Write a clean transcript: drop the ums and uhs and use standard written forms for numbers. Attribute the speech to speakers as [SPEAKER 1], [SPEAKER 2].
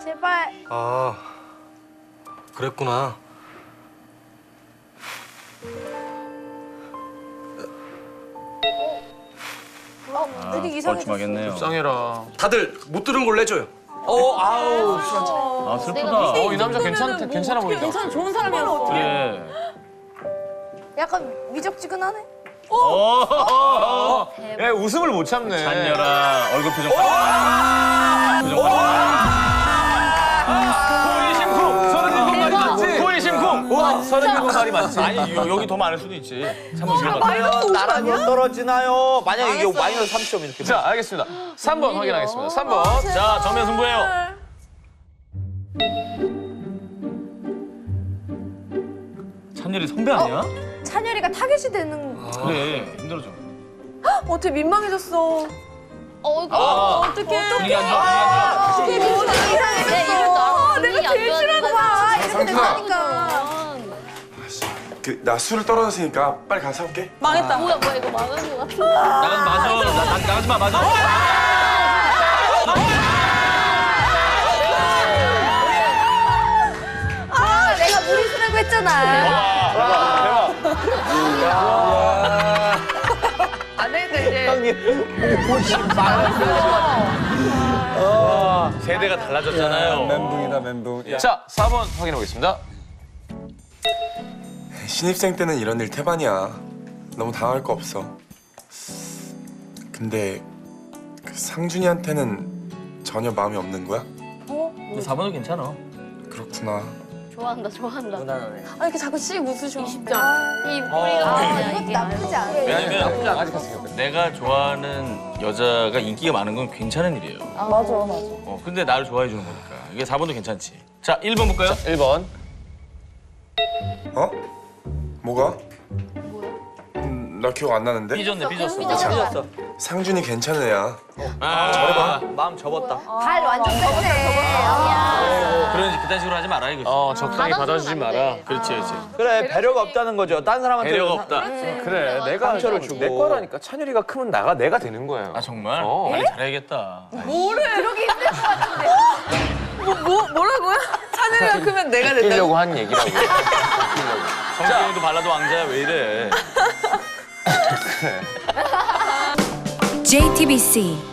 [SPEAKER 1] 제발.
[SPEAKER 2] 아, 그랬구나.
[SPEAKER 1] 되게 이상해졌어.
[SPEAKER 3] 뻘쭘하겠네요.
[SPEAKER 4] 불쌍해라.
[SPEAKER 2] 다들 못 들은 걸로 해줘요.
[SPEAKER 4] 아우.
[SPEAKER 3] 아 슬프다.
[SPEAKER 4] 이 남자 괜찮아 보인다.
[SPEAKER 1] 괜찮아, 좋은 사람이었어.
[SPEAKER 3] 그래.
[SPEAKER 1] 약간 미적지근하네.
[SPEAKER 4] 야, 웃음을 못 참네.
[SPEAKER 3] 잔여라 얼굴 표정.
[SPEAKER 4] 코이심쿵. 37번 말이 맞지? 코이심쿵. 와, 37번 말이 맞지?
[SPEAKER 3] 아니 여기 더 많을 수도 있지. 참고 싶어.
[SPEAKER 5] 과연 나랑으로 떨어지나요? 만약 이게 마이너스 30점 이렇게.
[SPEAKER 4] 자, 알겠습니다. 3번 확인하겠습니다. 3번.
[SPEAKER 3] 자 정면 승부예요. 찬열이 선배 아니야?
[SPEAKER 1] 찬열이가 타겟이 되는.
[SPEAKER 3] 그래 힘들어져.
[SPEAKER 1] 어떻게 민망해졌어. 어떡해.
[SPEAKER 3] 분위기 안 좋아. 분위기 안 좋아.
[SPEAKER 1] 내가 제일 싫어하는 거야. 이렇게 된다니까.
[SPEAKER 6] 나 술을 떨어졌으니까 빨리 가서 사올게.
[SPEAKER 1] 망했다.
[SPEAKER 7] 뭐야 이거 망한 거 같은데.
[SPEAKER 3] 나가지 마. 나가지 마. 맞아.
[SPEAKER 1] 아, 내가 무리수라고 했잖아. 안 되겠다, 이제.
[SPEAKER 3] 세대가 달라졌잖아요.
[SPEAKER 2] 멘붕이다, 멘붕.
[SPEAKER 4] 자, 4번 확인해 보겠습니다.
[SPEAKER 6] 신입생 때는 이런 일 태반이야. 너무 당할 거 없어. 근데 그 상준이한테는 전혀 마음이 없는 거야?
[SPEAKER 3] 근데 4번은 괜찮아.
[SPEAKER 6] 그렇구나.
[SPEAKER 7] 좋아한다.
[SPEAKER 1] 아, 이렇게 자꾸 씩 웃으셔.
[SPEAKER 7] 20점. 이 뿌리가
[SPEAKER 1] 이것도 나쁘지 않아.
[SPEAKER 3] 왜냐면 내가 좋아하는 여자가 인기가 많은 건 괜찮은 일이에요.
[SPEAKER 1] 맞아.
[SPEAKER 3] 근데 나를 좋아해 주는 거니까. 이게 4번도 괜찮지. 자 1번 볼까요?
[SPEAKER 4] 1번.
[SPEAKER 6] 어? 뭐가? 나 기억 안 나는데?
[SPEAKER 3] 삐졌네 삐졌어.
[SPEAKER 5] 삐졌어.
[SPEAKER 6] 상준이 괜찮은 애야.
[SPEAKER 3] 저래봐.
[SPEAKER 5] 마음 접었다.
[SPEAKER 1] 발 완전 뺐네.
[SPEAKER 3] 그런 그딴 식으로 하지 마라 이거지.
[SPEAKER 4] 적당히 받아주지 마라.
[SPEAKER 3] 그렇지.
[SPEAKER 5] 그래 배려가 없다는 거죠. 딴 사람한테
[SPEAKER 3] 배려가 없다.
[SPEAKER 4] 그래, 내가
[SPEAKER 5] 상처를 주고.
[SPEAKER 4] 내 거라니까. 찬열이가 크면 내가 되는 거예요.
[SPEAKER 3] 아 정말?
[SPEAKER 4] 어.
[SPEAKER 3] 관리 잘해야겠다.
[SPEAKER 1] 그러기 힘들 것 같은데. 뭐라고요? 찬열이가 크면 내가
[SPEAKER 4] 끼려고 한 얘기라고.
[SPEAKER 3] 성경이도 발라도 왕자야 왜 이래?
[SPEAKER 8] JTBC